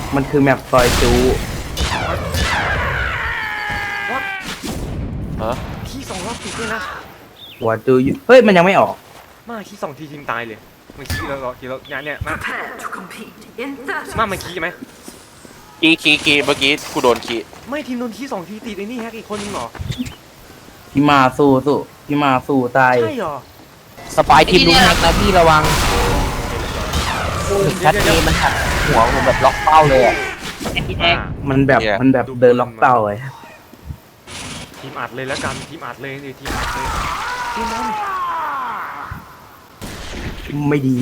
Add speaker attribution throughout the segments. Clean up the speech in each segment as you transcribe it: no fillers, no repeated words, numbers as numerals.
Speaker 1: มันคือแมปซอยจู
Speaker 2: วัด
Speaker 3: ฮะ
Speaker 2: ขี้2 รอบติดเลยนะ
Speaker 1: หัวจูอยู่เฮ้ยมันยังไม่ออก
Speaker 2: มาขี้2 ทีทีมตายเลยมันขี้แล้วขี้แล้วเนี่ยมา
Speaker 4: Prepare to compete in 30
Speaker 2: มามันขี้ไหม
Speaker 3: คีเมื่อกี้กูโดนคี
Speaker 2: ไม่ทีมโดนขี้2 ทีติดไอ้นี่แฮกอีกคนนึงเหรอ
Speaker 1: พี่มาสู้พี่มาสู้ตาย
Speaker 2: ใช่เหรอ
Speaker 5: สปายทีมลุงแฮกนะพี่ระวังชัดเจนมันหักหัวผมแบบล็อกเป้าเลยอ่ะ
Speaker 1: มันแบบเดินล็อกเป้าเลย
Speaker 2: ทีมอัดเลยแล้วกันทีมอัดเลยทีมอัดเลยทีมมัน
Speaker 1: ไม่ดี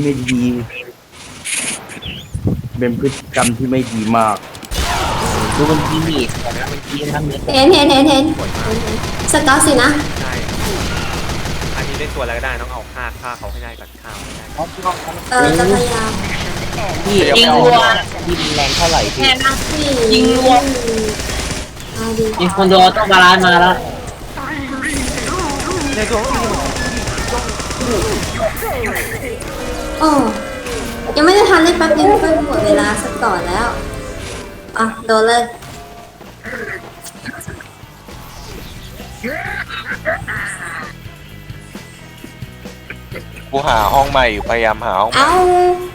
Speaker 1: เป็นพฤติกรรมที่ไม่ดีมาก
Speaker 5: ดูมันทีมีแต่มันทีทั้งเม็ด
Speaker 6: เห็นสกอตสินะ
Speaker 2: ใช่อันนี้เล่นตัวอะไรก็ได้ต้องเอาฆ่าเขาให้ได้ก่อนฆ่าให้ได้
Speaker 6: จะพยายาม
Speaker 5: พี่ยิงรัวยิงแรงเท่าไหร่พี่
Speaker 6: ยิงรวมเอาดี
Speaker 5: ยิงคนโดต้องบาลานซ์มาแล้ว
Speaker 2: ในตัวก็มี
Speaker 6: โอ้ยังไม่ได้ทันเล่นแป๊บนึงก็หมดเวลาสักก่อนแล้วอ่ะโดนเลย
Speaker 3: กูหาห้องใหม่อยู่พยายามหาห้องใหม่
Speaker 6: เอา